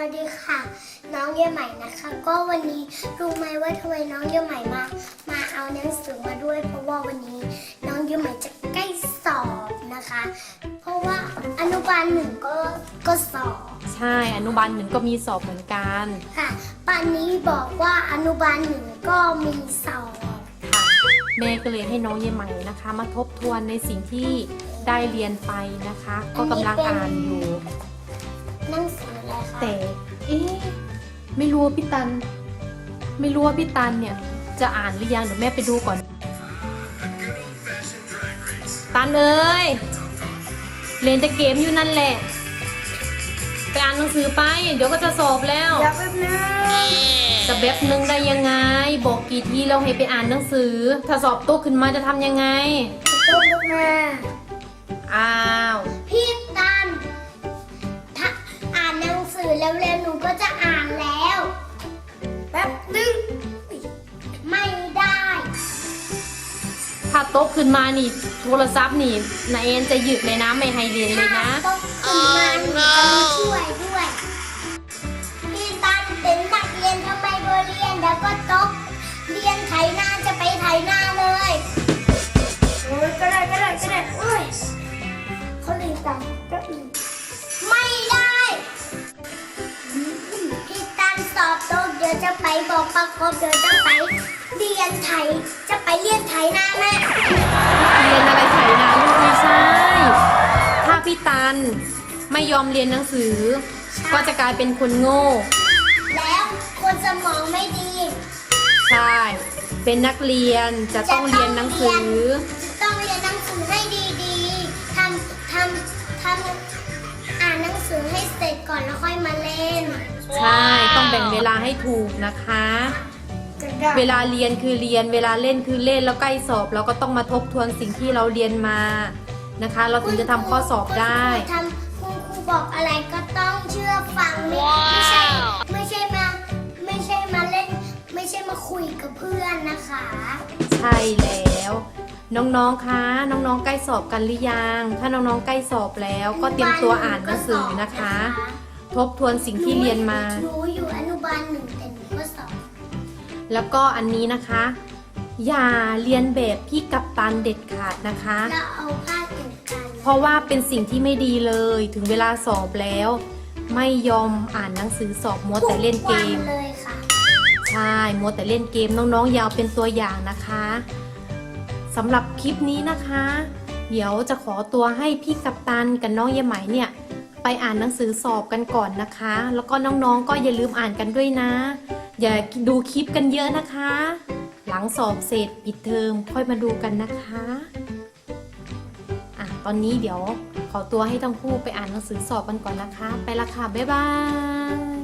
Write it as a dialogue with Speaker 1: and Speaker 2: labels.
Speaker 1: วัสดีค่ะน้องเยี่ยใหม่นะคะ ก็วันนี้รู้ไหมว่าทำไมน้องเยี่ยใหม่มาเอาหนังสือมาด้วย เพราะว่าวันนี้น้องเยี่ยใหม่จะใกล้สอบนะคะ เพราะว่าอนุบาลหนึ่งก็สอบ
Speaker 2: ใช่อนุบาลหนึ่งก็มีสอบเหมือนกัน
Speaker 1: ค่ะปานนี้บอกว่าอนุบาลหนึ่งก็มีสอบ
Speaker 2: ค่ะแม่ก็เลยให้น้องเยใหม่นะคะ มาทบทวนในสิ่งที่ได้เรียนไปนะคะ ก็กำลังอ่านอยู่
Speaker 1: หนังสืออะไรคะ
Speaker 2: แต่ไม่รู้ว่าพี่ตันเนี่ยจะอ่านหรือยังเดี๋ยวแม่ไปดูก่อนตันเอ้ยเล่นแต่เกมอยู่นั่นแหละไปอ่านหนังสือไปเดี๋ยวก็จะสอบแล้ว
Speaker 1: จะแป๊บนึง
Speaker 2: จะแป๊บนึงได้ยังไงบอกกี่ทีเราให้ไปอ่านหนังสือถ้าสอบตกขึ้นมาจะทำยังไง
Speaker 1: ตกมา
Speaker 2: อ้าว
Speaker 1: พี่ตันถ้าอ่านหนังสือเร็วๆหนูก็จะอ่านแล้วแป๊บนึงไม่ได้
Speaker 2: ถ้าตกขึ้นมานี่โทรศัพท์นี่นาเอ็นจะหยุดเลยนะไม่ให้เรียนเลยนะ
Speaker 1: ตกขึ้นมาหนูจะมาช่วยด้วยพี่ตันเป็นนักเรียนทำไมโดนเรียนแล้วก็ตกเรียนไถนาจะไปไถนาเลยโอ้ยก็ได้โอ้ยเขาเรียนกันก็อีกไม่ได้พี่ตันสอบตกเดี๋ยวจะไปบอกประกบเดี๋ยวจะไปเรียนไถจะไปเรียนไถนาแม่
Speaker 2: เรียนอะไรไถนาลูกไม่ใช่ถ้าพี่ตันไม่ยอมเรียนหนังสือก็จะกลายเป็นคนโง่
Speaker 1: แล้วคนสมองไม่ดี
Speaker 2: ใช่เป็นนักเรียนจะต้องเรียนหนังสือ
Speaker 1: ต้องเรียนหนังสือให้ดีๆทำอ่านหนังสือให้เสร็จก่อนแล้วค่อยมาเล่น
Speaker 2: ใช่ต้องแบ่งเวลาให้ถูกนะคะเวลาเรียนคือเรียนเวลาเล่นคือเล่นแล้วใกล้สอบเราก็ต้องมาทบทวนสิ่งที่เราเรียนมานะคะเราถึงจะทำข้อสอบได้
Speaker 1: คุณครูบอกอะไรก็ต้องเชื่อฟังไม่ใช่มาเล่นไม่ใช่มาคุยกับเพื่อนนะคะ
Speaker 2: ใช่แล้วน้องๆคะน้องๆใกล้สอบกันหรือยังถ้าน้องๆใกล้สอบแล้วก็เตรียมตัวอ่านหนังสือนะคะทบทวนสิ่งที่เรียนมา
Speaker 1: หนูอยู่อนุบาลหนึ่งแต่หนูก็สอบ
Speaker 2: แล้วก็อันนี้นะคะอย่าเรียนแบบพี่กัปตันเด็ดขาดนะคะ
Speaker 1: แล้วเอาภาคอื่นกัน
Speaker 2: เพราะว่าเป็นสิ่งที่ไม่ดีเลยถึงเวลาสอบแล้วไม่ยอมอ่านหนังสือสอบมัวแต่เล่นเกม
Speaker 1: เลยค่ะ
Speaker 2: ใช่มัวแต่เล่นเกมน้องๆอย่าเอาเป็นตัวอย่างนะคะสำหรับคลิปนี้นะคะเดี๋ยวจะขอตัวให้พี่กัปตันกับน้องเยไหมเนี่ยไปอ่านหนังสือสอบกันก่อนนะคะแล้วก็น้องๆก็อย่าลืมอ่านกันด้วยนะอย่าดูคลิปกันเยอะนะคะหลังสอบเสร็จปิดเทอมค่อยมาดูกันนะคะตอนนี้เดี๋ยวขอตัวให้ทั้งคู่ไปอ่านหนังสือสอบกันก่อนนะคะไปละค่ะบ๊ายบาย